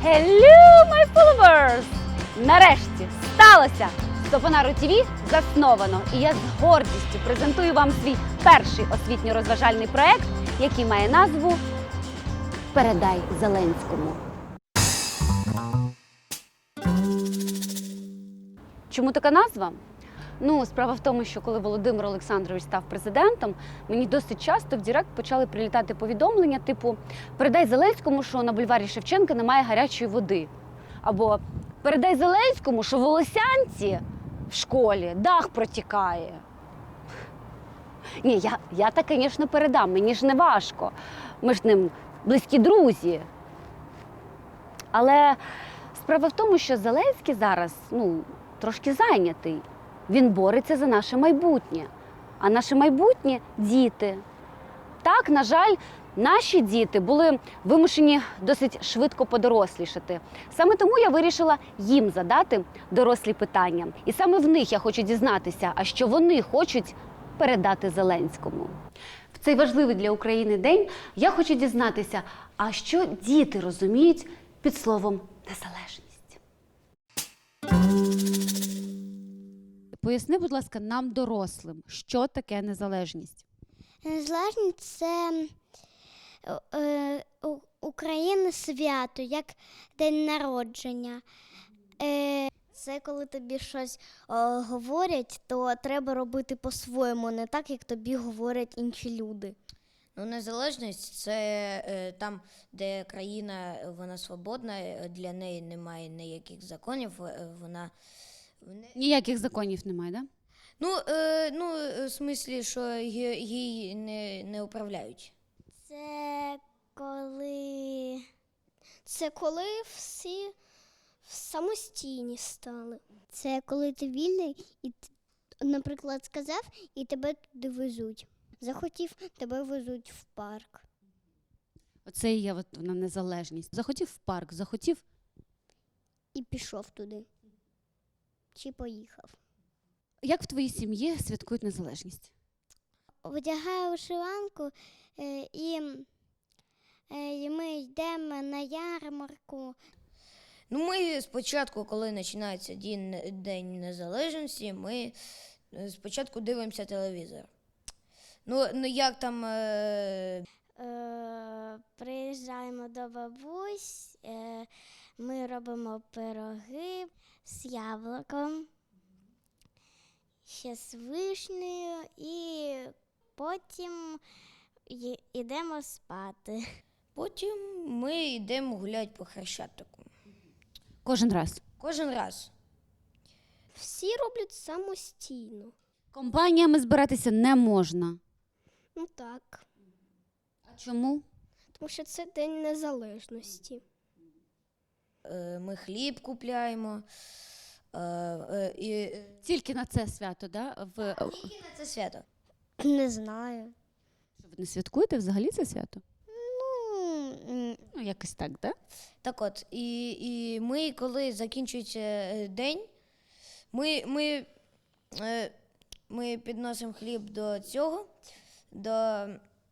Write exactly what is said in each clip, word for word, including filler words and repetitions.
Hello, my followers! Нарешті сталося! Сопонару ТВ засновано, і я з гордістю презентую вам свій перший освітньо-розважальний проект, який має назву «Передай Зеленському». Чому така назва? Ну, справа в тому, що коли Володимир Олександрович став президентом, мені досить часто в Директ почали прилітати повідомлення типу «Передай Зеленському, що на бульварі Шевченка немає гарячої води». Або «Передай Зеленському, що в Волосянці в школі дах протікає». Ні, я, я так, звісно, передам, мені ж не важко. Ми ж з ним близькі друзі. Але справа в тому, що Зеленський зараз, ну, трошки зайнятий. Він бореться за наше майбутнє. А наше майбутнє – діти. Так, на жаль, наші діти були вимушені досить швидко подорослішати. Саме тому я вирішила їм задати дорослі питання. І саме в них я хочу дізнатися, а що вони хочуть передати Зеленському. В цей важливий для України день я хочу дізнатися, а що діти розуміють під словом «незалежність». Поясни, будь ласка, нам, дорослим, що таке незалежність? Незалежність – це е, у України свято, як день народження. Е, це коли тобі щось е, говорять, то треба робити по-своєму, не так, як тобі говорять інші люди. Ну, незалежність – це е, там, де країна, вона свободна, для неї немає ніяких законів, е, вона... Ніяких законів немає, так? Да? Ну, е, ну, в смислі, що їй не, не управляють. Це коли... Це коли всі самостійні стали. Це коли ти вільний і, наприклад, сказав, і тебе туди везуть. Захотів, тебе везуть в парк. Оце і є от вона незалежність. Захотів в парк, захотів... І пішов туди. Чи поїхав. Як в твоїй сім'ї святкують незалежність? Одягаю вишиванку е, і, е, і ми йдемо на ярмарку. Ну, ми спочатку, коли починається День, День Незалежності, ми спочатку дивимося телевізор. Ну, ну як там... Е... Е, приїжджаємо до бабусь, е, ми робимо пироги з яблуком, ще з вишнею, і потім йдемо спати. Потім ми йдемо гуляти по Хрещатику. Кожен раз? Кожен раз. Всі роблять самостійно. Компаніями збиратися не можна. Ну так. А чому? Тому що це День Незалежності. Е, ми хліб купляємо. Е, е, і... Тільки на це свято, да? В... Тільки на це свято. Не знаю. Що, ви не святкуєте взагалі це свято? Ну, Ну, якось так, да? Так от, і, і ми, коли закінчується день, ми, ми, е, ми підносимо хліб до цього, до,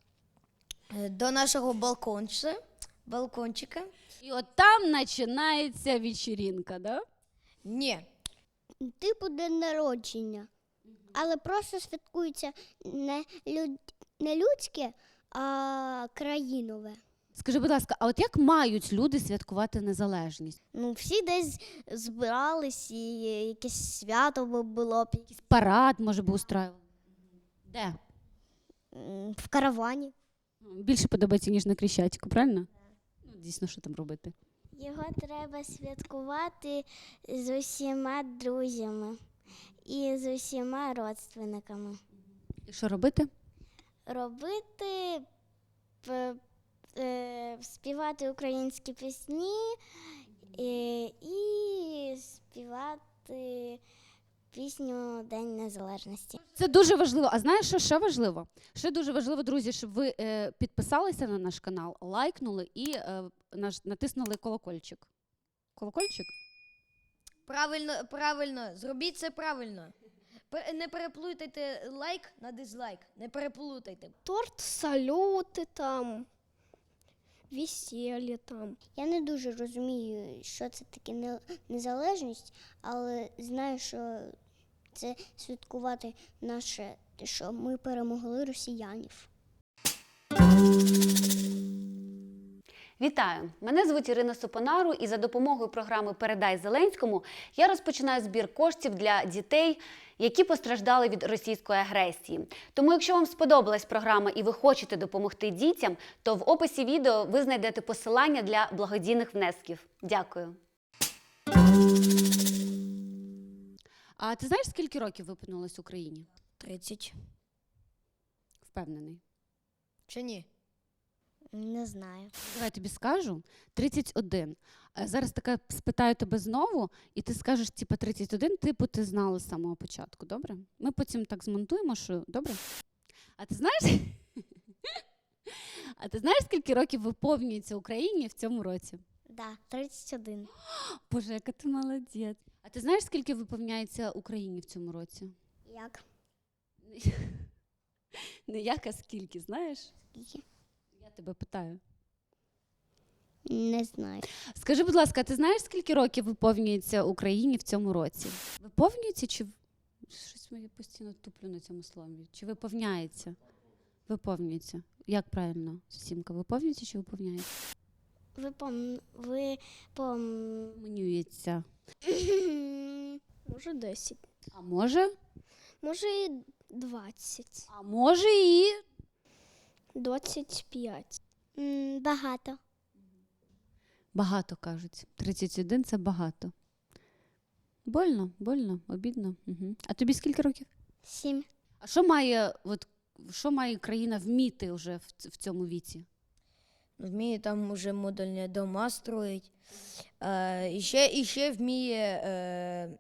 до нашого балкончика, балкончика. І от там починається вечірінка, да? Ні. типу день народження. Але просто святкується не, люд... не людське, а країнове. Скажи, будь ласка, а от як мають люди святкувати незалежність? Ну, всі десь збирались, і якесь свято би було б. Якийсь парад, може, би устраювали? Де? М, В каравані. Більше подобається, ніж на Крещатику, правильно? Ну, дійсно, що там робити? Його треба святкувати з усіма друзями і з усіма родственниками. І що робити? Робити, п- е, співати українські пісні е, і співати пісню День Незалежності. Це дуже важливо. А знаєш, що ще важливо? Ще дуже важливо, друзі, щоб ви е, підписалися на наш канал, лайкнули і е, наш, натиснули колокольчик. Колокольчик? Правильно, правильно, зробіть це правильно. Пе- Не переплутайте лайк на дизлайк, не переплутайте. Торт, салюти там, весілля там. Я не дуже розумію, що це таке не- незалежність, але знаю, що це святкувати наше, що ми перемогли росіянів. Вітаю! Мене звуть Ірина Супонару, і за допомогою програми «Передай Зеленському» я розпочинаю збір коштів для дітей, які постраждали від російської агресії. Тому, якщо вам сподобалась програма і ви хочете допомогти дітям, то в описі відео ви знайдете посилання для благодійних внесків. Дякую! А ти знаєш, скільки років виповнилось Україні? тридцять. Впевнений. Чи ні? Не знаю. Давай я тобі скажу. тридцять один. Е, Зараз таке спитаю тебе знову, і ти скажеш, типу, тридцять один, типу, ти знала з самого початку, добре? Ми потім так змонтуємо, що добре? А ти знаєш? А ти знаєш, скільки років виповнюється Україні в цьому році? Да, тридцять один. Боже, яка ти молодець. А ти знаєш, скільки виповняється Україні в цьому році? Як? Не як, а скільки, знаєш? Скільки? Я тебе питаю. Не знаю. Скажи, будь ласка, ти знаєш, скільки років виповнюється Україні в цьому році? Виповнюється чи в- щось я постійно туплю на цьому слові? Чи виповняється? Виповнюється. Як правильно, Сімка? Виповнюється чи виповняється? Ви пом... Ви пом... Виповнюється. Може, десять. А може? Може, і двадцять. А може і двадцять п'ять. Багато. багато кажуть. тридцять один – це багато. Больно, больно, обідно. Угу. А тобі скільки років? Сім. А що має, от, що має країна вміти вже в, ц- в цьому віці? Вміє там уже модульні дома строїть. Е, і, ще, і ще вміє, е,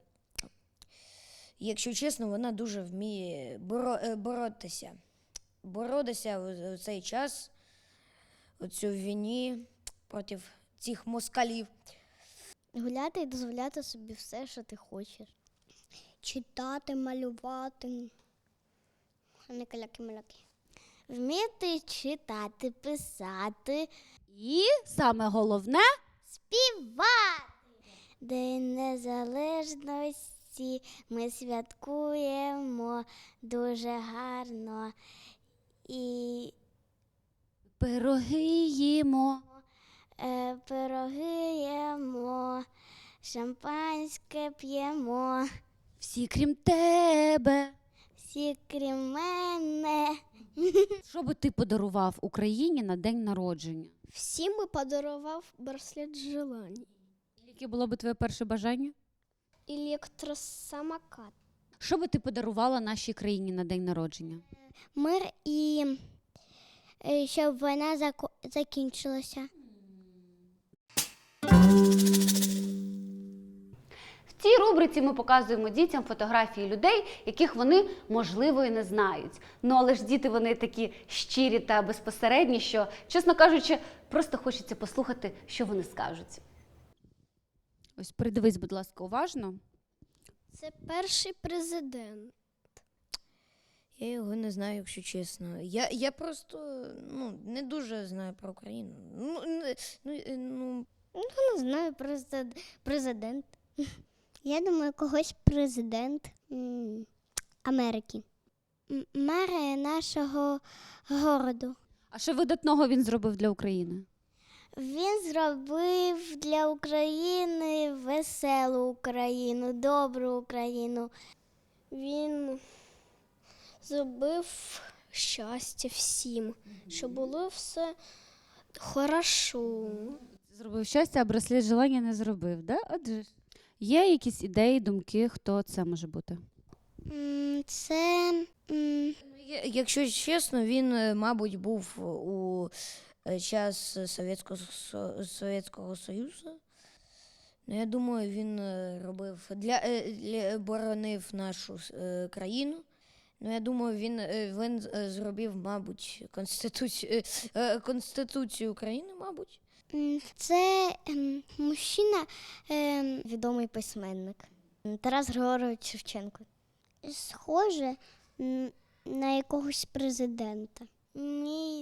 якщо чесно, вона дуже вміє боро, е, боротися. Боротися в, в цей час, у цю війні проти цих москалів. Гуляти і дозволяти собі все, що ти хочеш. Читати, малювати. А не каляки-маляки. Вміти читати, писати, І саме головне співати. День Незалежності ми святкуємо дуже гарно. І пироги їмо. е, пироги їмо, шампанське п'ємо. Всі крім тебе. Всі крім мене. Що би ти подарував Україні на день народження? Всім би подарував браслет желань. Яке було б твоє перше бажання? Електросамокат. Що би ти подарувала нашій країні на день народження? Мир і е, щоб війна зако- закінчилася. В цій рубриці ми показуємо дітям фотографії людей, яких вони, можливо, і не знають. Ну, але ж діти, вони такі щирі та безпосередні, що, чесно кажучи, просто хочеться послухати, що вони скажуть. Ось придивись, будь ласка, уважно. Це перший президент. Я його не знаю, якщо чесно. Я, я просто ну, не дуже знаю про Україну. Ну, не, ну, е, ну, Не знаю, президент. президент. Я думаю, когось президент м, Америки. М, Мер нашого городу. А що видатного він зробив для України? Він зробив для України веселу Україну, добру Україну. Він зробив щастя всім, щоб було все хорошо. Зробив щастя, а браслет желання не зробив, да? Отже ж. Є якісь ідеї, думки, хто це може бути? М, Це м, я- якщо чесно, він, е, мабуть, був у е, час Совєтського, Со- Совєтського Союзу. Ну, я думаю, він е, робив для, е, для боронив нашу е, країну. Ну, я думаю, він, е, він е, зробив, мабуть, конституцію, е, е, Конституцію України, мабуть. м, це ем, мужчина, ем, відомий письменник Тарас Григорович Шевченко. Схоже м, на якогось президента. Мій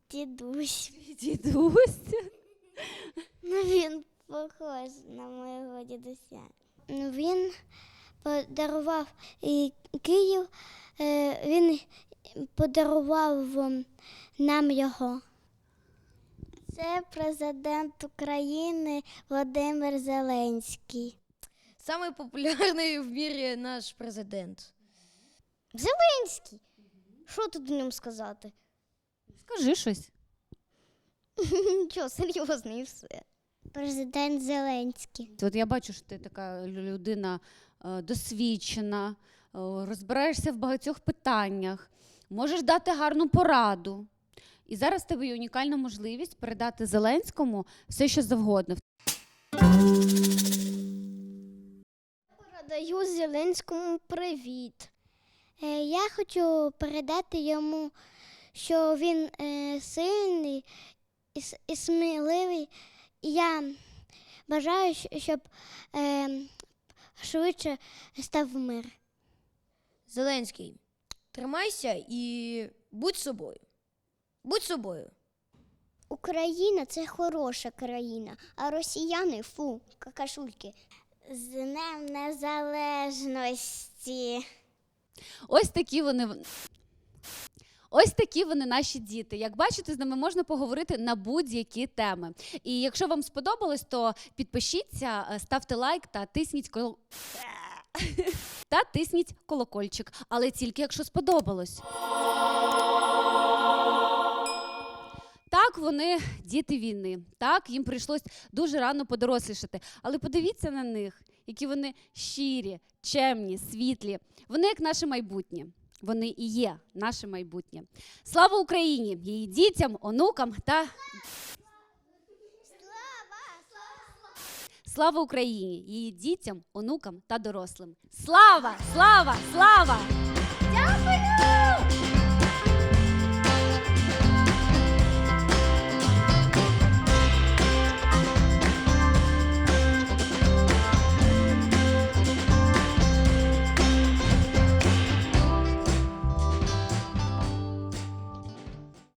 дідусь. Дідусь. Ну, він похож на моєго дідуся. Ну, він подарував і Київ, е, він подарував ем, нам його. Це президент України Володимир Зеленський. Самий популярний в мірі наш президент. Зеленський? Що тут о ньому сказати? Скажи щось. Нічого, серйозно і все. Президент Зеленський. От я бачу, що ти така людина е, досвідчена, е, розбираєшся в багатьох питаннях, можеш дати гарну пораду. І зараз в тебе є унікальна можливість передати Зеленському все, що завгодно. Передаю Зеленському привіт. Е, я хочу передати йому, що він е, сильний і, с- і сміливий. І я бажаю, щ- щоб е, швидше став мир. Зеленський, тримайся і будь собою. Будь собою. Україна – це хороша країна, а росіяни – фу, какашульки. З Днем Незалежності. Ось такі вони. в- Ось такі вони наші діти. Як бачите, з ними можна поговорити на будь-які теми. І якщо вам сподобалось, то підпишіться, е, ставте лайк та тисніть кол... та тисніть колокольчик. Але тільки якщо сподобалось. Так, вони діти війни. Так, їм прийшлось дуже рано подорослішати. Але подивіться на них, які вони щирі, чемні, світлі. Вони як наше майбутнє. Вони і є наше майбутнє. Слава Україні! Її дітям, онукам та... Слава Україні! Її дітям, онукам та дорослим. Слава! Слава! Слава! Дякую!